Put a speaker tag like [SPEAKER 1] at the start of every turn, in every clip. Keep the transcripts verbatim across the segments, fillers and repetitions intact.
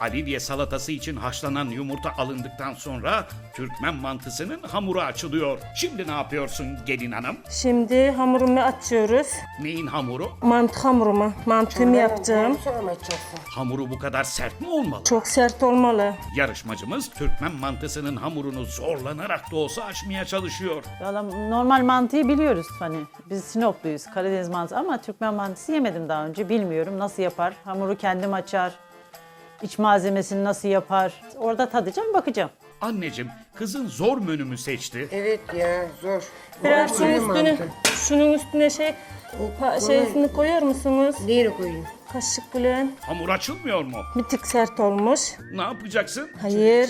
[SPEAKER 1] Alidye salatası için haşlanan yumurta alındıktan sonra Türkmen mantısının hamuru açılıyor. Şimdi ne yapıyorsun gelin hanım?
[SPEAKER 2] Şimdi hamurumu açıyoruz.
[SPEAKER 1] Neyin hamuru?
[SPEAKER 2] Mantı hamurumu. Mantımı yapacağım.
[SPEAKER 3] Sonra mı açacaksın?
[SPEAKER 1] Hamuru bu kadar sert mi olmalı?
[SPEAKER 2] Çok sert olmalı.
[SPEAKER 1] Yarışmacımız Türkmen mantısının hamurunu zorlanarak da olsa açmaya çalışıyor.
[SPEAKER 4] Valla normal mantıyı biliyoruz hani biz Sinopluyuz, Karadeniz mantısı ama Türkmen mantısı yemedim daha önce, bilmiyorum nasıl yapar. Hamuru kendim açar, iç malzemesini nasıl yapar, orada tadacağım, bakacağım.
[SPEAKER 1] Anneciğim, kızın zor menümü seçti.
[SPEAKER 3] Evet ya zor.
[SPEAKER 2] Biraz
[SPEAKER 3] Zor
[SPEAKER 2] şunun üstüne,
[SPEAKER 3] mantı.
[SPEAKER 2] şunun üstüne şey, pa, şeysini koyar mısınız?
[SPEAKER 3] Neyini koyayım?
[SPEAKER 2] Kaşık bilen.
[SPEAKER 1] Hamur açılmıyor mu?
[SPEAKER 2] Bir tık sert olmuş.
[SPEAKER 1] Ne yapacaksın?
[SPEAKER 2] Hayır.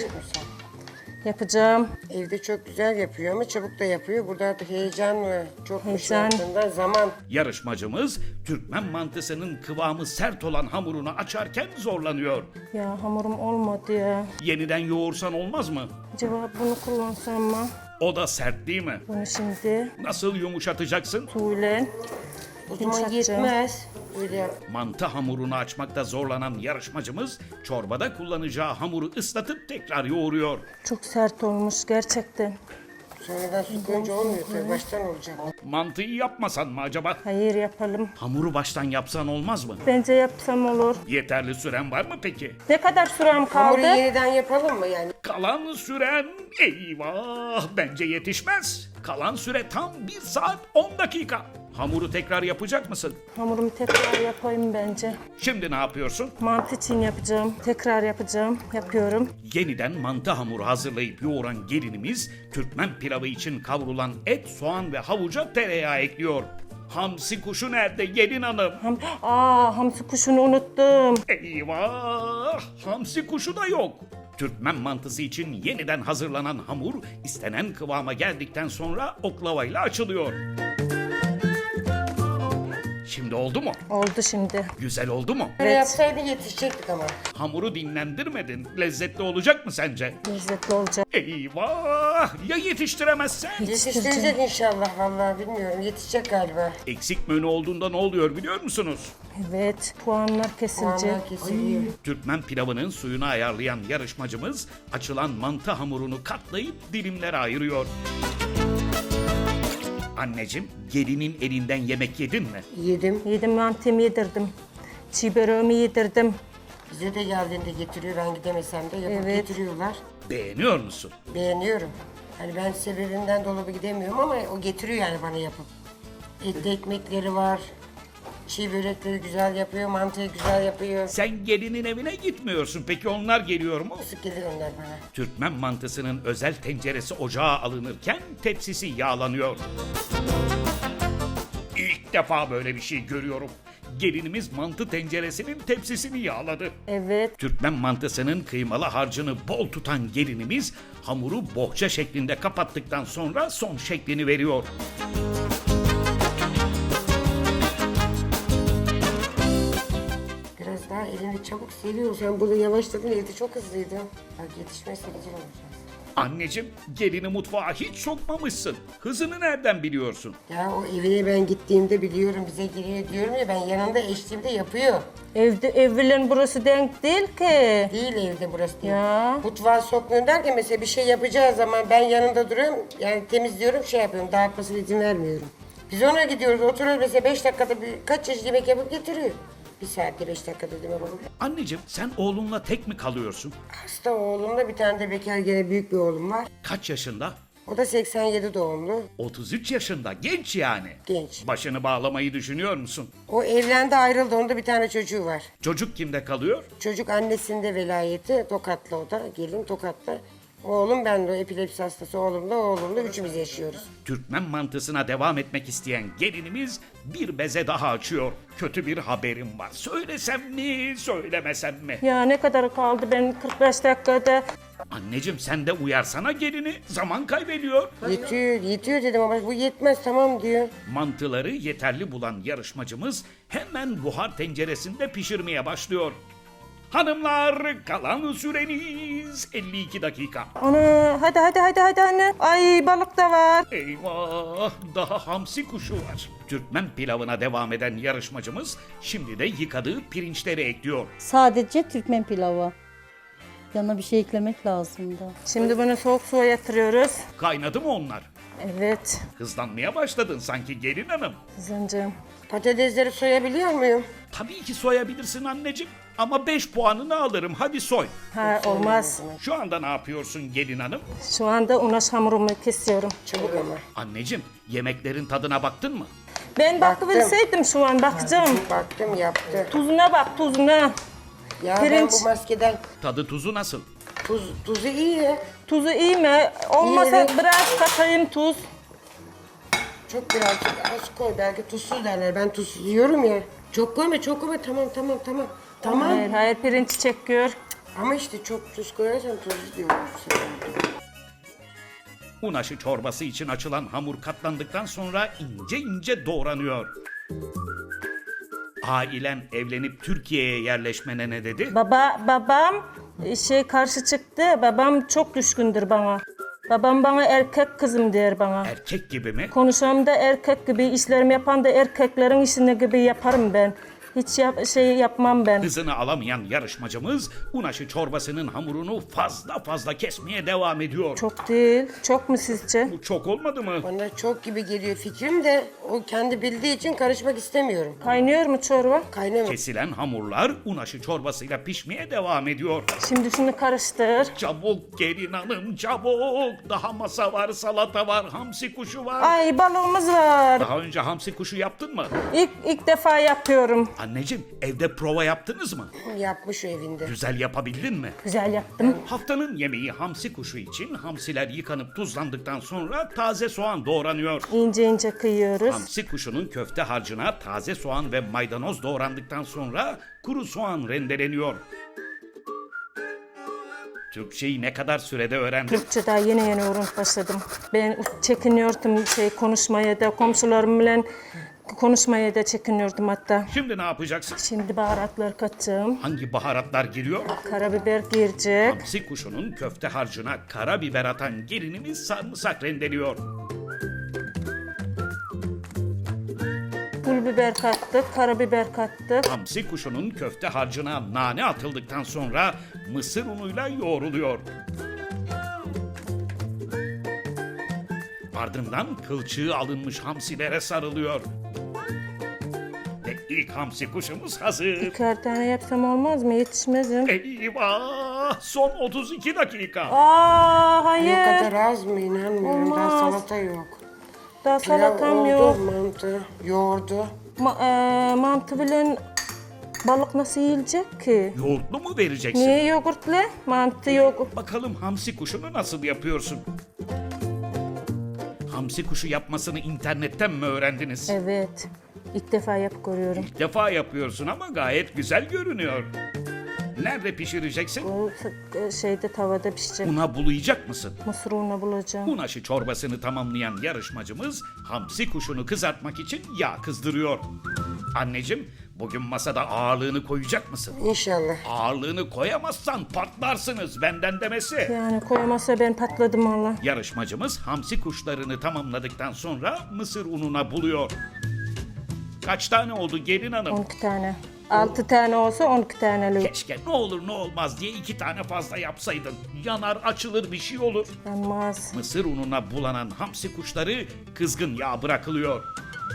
[SPEAKER 2] Yapacağım.
[SPEAKER 3] Evde çok güzel yapıyor ama çabuk da yapıyor. Burada artık heyecan mı? Çok bir şey
[SPEAKER 2] Heyecan.
[SPEAKER 3] yaptığında zaman.
[SPEAKER 1] Yarışmacımız Türkmen mantısının kıvamı sert olan hamurunu açarken zorlanıyor.
[SPEAKER 2] Ya hamurum olmadı ya.
[SPEAKER 1] Yeniden yoğursan olmaz mı?
[SPEAKER 2] Acaba bunu kullansam mı?
[SPEAKER 1] O da sert değil mi?
[SPEAKER 2] Bunu şimdi
[SPEAKER 1] Nasıl yumuşatacaksın?
[SPEAKER 2] suyla
[SPEAKER 3] O zaman
[SPEAKER 2] yumuşatacağım.
[SPEAKER 3] yetmez. Öyle yap.
[SPEAKER 1] Mantı hamurunu açmakta zorlanan yarışmacımız çorbada kullanacağı hamuru ıslatıp tekrar yoğuruyor.
[SPEAKER 2] Çok sert olmuş gerçekten.
[SPEAKER 3] Sonradan su koyunca olmuyor tabii. Baştan olacak.
[SPEAKER 1] Mantıyı yapmasan mı acaba?
[SPEAKER 2] Hayır yapalım.
[SPEAKER 1] Hamuru baştan yapsan olmaz mı?
[SPEAKER 2] Bence yapsam olur.
[SPEAKER 1] Yeterli süren var mı peki?
[SPEAKER 2] Ne kadar sürem
[SPEAKER 3] Hamuru
[SPEAKER 2] kaldı?
[SPEAKER 3] yeniden yapalım mı yani?
[SPEAKER 1] Kalan süren eyvah bence yetişmez. Kalan süre tam bir saat on dakika. Hamuru tekrar yapacak mısın?
[SPEAKER 2] Hamurumu tekrar yapayım bence.
[SPEAKER 1] Şimdi ne yapıyorsun?
[SPEAKER 2] Mantı için yapacağım. Tekrar yapacağım. Yapıyorum.
[SPEAKER 1] Yeniden mantı hamuru hazırlayıp yoğuran gelinimiz Türkmen pilavı için kavrulan et, soğan ve havuca tereyağı ekliyor. Hamsi kuşu nerede gelin hanım?
[SPEAKER 2] Ham Aa, hamsi kuşunu unuttum.
[SPEAKER 1] Eyvah! Hamsi kuşu da yok. Türkmen mantısı için yeniden hazırlanan hamur istenen kıvama geldikten sonra oklavayla açılıyor. Şimdi oldu mu?
[SPEAKER 2] Oldu şimdi.
[SPEAKER 1] Güzel oldu mu?
[SPEAKER 3] Böyle
[SPEAKER 2] Evet.
[SPEAKER 3] yapsaydın yetişecektik ama.
[SPEAKER 1] Hamuru dinlendirmedin. Lezzetli olacak mı sence?
[SPEAKER 2] Lezzetli olacak.
[SPEAKER 1] Eyvah! Ya yetiştiremezsen?
[SPEAKER 3] Yetiştirecek inşallah vallahi bilmiyorum. Yetişecek galiba.
[SPEAKER 1] Eksik menü olduğunda ne oluyor biliyor musunuz?
[SPEAKER 2] Evet. Puanlar kesilecek.
[SPEAKER 3] Puanlar kesiliyor.
[SPEAKER 1] Türkmen pilavının suyunu ayarlayan yarışmacımız açılan mantı hamurunu katlayıp dilimlere ayırıyor. Anneciğim, gelinin elinden yemek yedin mi?
[SPEAKER 3] Yedim.
[SPEAKER 2] Yedim, mantımı yedirdim. Çiğ böreğimi yedirdim.
[SPEAKER 3] Bize de geldiğinde getiriyor. Ben gidemesem de yapıp
[SPEAKER 2] Evet.
[SPEAKER 3] getiriyorlar.
[SPEAKER 1] Beğeniyor musun?
[SPEAKER 3] Beğeniyorum. Hani ben sebebinden dolabı gidemiyorum ama o getiriyor yani bana yapıp. Etli ekmekleri var. Çiğ börekleri güzel yapıyor, mantıyı güzel yapıyor.
[SPEAKER 1] Sen gelinin evine gitmiyorsun. Peki onlar geliyor mu?
[SPEAKER 3] Sık gelir onlar bana.
[SPEAKER 1] Türkmen mantısının özel tenceresi ocağa alınırken tepsisi yağlanıyor. İlk defa böyle bir şey görüyorum. Gelinimiz mantı tenceresinin tepsisini yağladı.
[SPEAKER 2] Evet.
[SPEAKER 1] Türkmen mantısının kıymalı harcını bol tutan gelinimiz hamuru bohça şeklinde kapattıktan sonra son şeklini veriyor.
[SPEAKER 3] Biraz daha elini çabuk seviyor. Sen burada yavaşladın, evde çok hızlıydı. Bak yetişmezse güzel olacak.
[SPEAKER 1] Anneciğim, gelini mutfağa hiç sokmamışsın. Hızını nereden biliyorsun?
[SPEAKER 3] Ya o evine ben gittiğimde biliyorum bize geliyor diyorum ya ben yanında eşliğimde yapıyor.
[SPEAKER 2] Evde evlerin burası denk değil ki.
[SPEAKER 3] Değil evde burası değil.
[SPEAKER 2] Ya.
[SPEAKER 3] Mutfağa sokmuyorum derken mesela bir şey yapacağı zaman ben yanında duruyorum. Yani temizliyorum şey yapıyorum dağıtmasına izin vermiyorum. Biz ona gidiyoruz oturuyoruz mesela beş dakikada bir, kaç çeşit yemek yapıp getiriyor. Bir saatte beş dakikada demek olur.
[SPEAKER 1] Anneciğim, sen oğlunla tek mi kalıyorsun?
[SPEAKER 3] Hasta oğlumla bir tane de bekar gene büyük bir oğlum var.
[SPEAKER 1] Kaç yaşında?
[SPEAKER 3] O da seksen yedi doğumlu.
[SPEAKER 1] otuz üç yaşında, genç yani.
[SPEAKER 3] Genç.
[SPEAKER 1] Başını bağlamayı düşünüyor musun?
[SPEAKER 3] O evlendi ayrıldı onda bir tane çocuğu var.
[SPEAKER 1] Çocuk kimde kalıyor?
[SPEAKER 3] Çocuk annesinde velayeti Tokat'la o da gelin Tokat'ta. Oğlum ben de o epilepsi hastası oğlumla oğlumla üçümüz yaşıyoruz.
[SPEAKER 1] Türkmen mantısına devam etmek isteyen gelinimiz bir beze daha açıyor. Kötü bir haberim var. Söylesem mi, söylemesem mi?
[SPEAKER 2] Ya ne kadar kaldı, ben kırk beş dakikada.
[SPEAKER 1] Anneciğim, sen de uyarsana gelini. Zaman kaybediyor.
[SPEAKER 3] Yetiyor, yetiyor dedim ama bu yetmez tamam diyor.
[SPEAKER 1] Mantıları yeterli bulan yarışmacımız hemen buhar tenceresinde pişirmeye başlıyor. Hanımlar, kalan süreniz elli iki dakika.
[SPEAKER 2] Ana, hadi hadi hadi hadi anne. Ay, balık da var.
[SPEAKER 1] Eyvah, daha hamsi kuşu var. Türkmen pilavına devam eden yarışmacımız şimdi de yıkadığı pirinçleri ekliyor.
[SPEAKER 5] Sadece Türkmen pilavı. Yanına bir şey eklemek lazım da.
[SPEAKER 2] Şimdi bunu soğuk suya yatırıyoruz.
[SPEAKER 1] Kaynadı mı onlar?
[SPEAKER 2] Evet.
[SPEAKER 1] Hızlanmaya başladın sanki gelin hanım.
[SPEAKER 2] Kızıncığım.
[SPEAKER 3] Patatesleri soyabiliyor muyum?
[SPEAKER 1] Tabii ki soyabilirsin anneciğim. Ama beş puanını alırım. Hadi soy.
[SPEAKER 2] Ha olmaz.
[SPEAKER 1] Şu anda ne yapıyorsun gelin hanım?
[SPEAKER 2] Şu anda unaş hamurumu kesiyorum.
[SPEAKER 3] Çabuk ama.
[SPEAKER 1] Anneciğim, yemeklerin tadına baktın mı?
[SPEAKER 2] Ben bakıverseydim şu an bakacağım.
[SPEAKER 3] Baktım yaptı.
[SPEAKER 2] Tuzuna bak tuzuna.
[SPEAKER 3] Ya ben
[SPEAKER 2] Pirinç.
[SPEAKER 3] bu maskeden
[SPEAKER 1] Tadı tuzu nasıl?
[SPEAKER 3] tuz, tuzu iyi ya.
[SPEAKER 2] Tuzu iyi mi? Olmasa
[SPEAKER 3] İyi.
[SPEAKER 2] biraz katayım tuz.
[SPEAKER 3] Çok birazcık az koy. Belki tuzsuz derler. Ben tuzsuz yiyorum ya. Çok koyma çok koyma. Tamam tamam tamam. Tamam.
[SPEAKER 2] Hayır hayır pirinç çekiyor.
[SPEAKER 3] Ama işte çok tuz koyarsan tuzsuz diyorum.
[SPEAKER 1] Un aşı çorbası için açılan hamur katlandıktan sonra ince ince doğranıyor. Ailen evlenip Türkiye'ye yerleşmene ne dedi?
[SPEAKER 2] Baba babam şey karşı çıktı. Babam çok düşkündür bana. Babam bana erkek kızım der bana.
[SPEAKER 1] Erkek gibi mi?
[SPEAKER 2] Konuşmam da erkek gibi, işlerimi yapan da erkeklerin işini gibi yaparım ben. Hiç yap, şey yapmam ben.
[SPEAKER 1] Hızını alamayan yarışmacımız un aşı çorbasının hamurunu fazla fazla kesmeye devam ediyor.
[SPEAKER 2] Çok değil. Çok mu sizce?
[SPEAKER 1] Bu çok olmadı mı?
[SPEAKER 3] Bana çok gibi geliyor fikrim de o kendi bildiği için karışmak istemiyorum.
[SPEAKER 2] Kaynıyor mu çorba?
[SPEAKER 3] Kaynama.
[SPEAKER 1] Kesilen hamurlar un aşı çorbasıyla pişmeye devam ediyor.
[SPEAKER 2] Şimdi şunu karıştır.
[SPEAKER 1] Çabuk gelin hanım çabuk. Daha masa var, salata var, hamsi kuşu var.
[SPEAKER 2] Ay balığımız var.
[SPEAKER 1] Daha önce hamsi kuşu yaptın mı?
[SPEAKER 2] İlk ilk defa yapıyorum.
[SPEAKER 1] Anneciğim evde prova yaptınız mı?
[SPEAKER 3] Yapmış o evinde.
[SPEAKER 1] Güzel yapabildin mi?
[SPEAKER 2] Güzel yaptım.
[SPEAKER 1] Haftanın yemeği hamsi kuşu için hamsiler yıkanıp tuzlandıktan sonra taze soğan doğranıyor.
[SPEAKER 2] İnce ince kıyıyoruz.
[SPEAKER 1] Hamsi kuşunun köfte harcına taze soğan ve maydanoz doğrandıktan sonra kuru soğan rendeleniyor. Türkçeyi ne kadar sürede öğrendin?
[SPEAKER 2] Türkçe daha yeni yeni öğrenip başladım. Ben çekiniyordum şey konuşmaya da komşularımla konuşmaya da çekiniyordum hatta.
[SPEAKER 1] Şimdi ne yapacaksın?
[SPEAKER 2] Şimdi baharatlar katacağım.
[SPEAKER 1] Hangi baharatlar giriyor?
[SPEAKER 2] Karabiber girecek.
[SPEAKER 1] Hamsi kuşunun köfte harcına karabiber atan gelinimiz sarımsak rendeliyor.
[SPEAKER 2] Pul biber kattık, karabiber kattık.
[SPEAKER 1] Hamsi kuşunun köfte harcına nane atıldıktan sonra mısır unuyla yoğruluyor. Ardından kılçığı alınmış hamsilere sarılıyor. Ve ilk hamsi kuşumuz hazır.
[SPEAKER 2] İkişer tane yapsam olmaz mı? Yetişmezim.
[SPEAKER 1] Eyvah! Son otuz iki dakika.
[SPEAKER 2] Aa
[SPEAKER 3] O
[SPEAKER 2] hayır.
[SPEAKER 3] kadar az mı inanmıyorum. Daha
[SPEAKER 2] Olmaz.
[SPEAKER 3] salata yok.
[SPEAKER 2] Daha
[SPEAKER 3] Pilav
[SPEAKER 2] salatam
[SPEAKER 3] oldu,
[SPEAKER 2] yok.
[SPEAKER 3] mantı, yoğurdu.
[SPEAKER 2] Ma e, mantı bilen balık nasıl yiyecek ki?
[SPEAKER 1] Yoğurtlu mu vereceksin?
[SPEAKER 2] Niye yoğurtla? Mantı yok.
[SPEAKER 1] Bakalım hamsi kuşunu nasıl yapıyorsun? Hamsi kuşu yapmasını internetten mi öğrendiniz?
[SPEAKER 2] Evet. İlk defa yap görüyorum.
[SPEAKER 1] İlk defa yapıyorsun ama gayet güzel görünüyor. Nerede pişireceksin?
[SPEAKER 2] O e, şeyde tavada pişecek.
[SPEAKER 1] Una bulayacak mısın?
[SPEAKER 2] Mısır unu bulacağım.
[SPEAKER 1] Un aşı çorbasını tamamlayan yarışmacımız hamsi kuşunu kızartmak için yağ kızdırıyor. Anneciğim, bugün masada ağırlığını koyacak mısın?
[SPEAKER 3] İnşallah.
[SPEAKER 1] Ağırlığını koyamazsan patlarsınız benden demesi.
[SPEAKER 2] Yani koyamazsa ben patladım valla.
[SPEAKER 1] Yarışmacımız hamsi kuşlarını tamamladıktan sonra mısır ununa buluyor. Kaç tane oldu gelin hanım?
[SPEAKER 2] on iki tane. altı tane olsa on iki tanelik.
[SPEAKER 1] Keşke ne olur ne olmaz diye iki tane fazla yapsaydın. Yanar açılır bir şey olur.
[SPEAKER 2] Yanmaz.
[SPEAKER 1] Mısır ununa bulanan hamsi kuşları kızgın yağ bırakılıyor.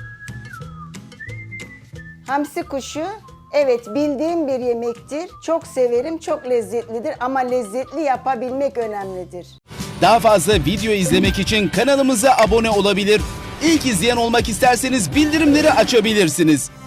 [SPEAKER 6] Hamsi kuşu, evet bildiğim bir yemektir. Çok severim, çok lezzetlidir ama lezzetli yapabilmek önemlidir.
[SPEAKER 7] Daha fazla video izlemek için kanalımıza abone olabilir. İlk izleyen olmak isterseniz bildirimleri açabilirsiniz.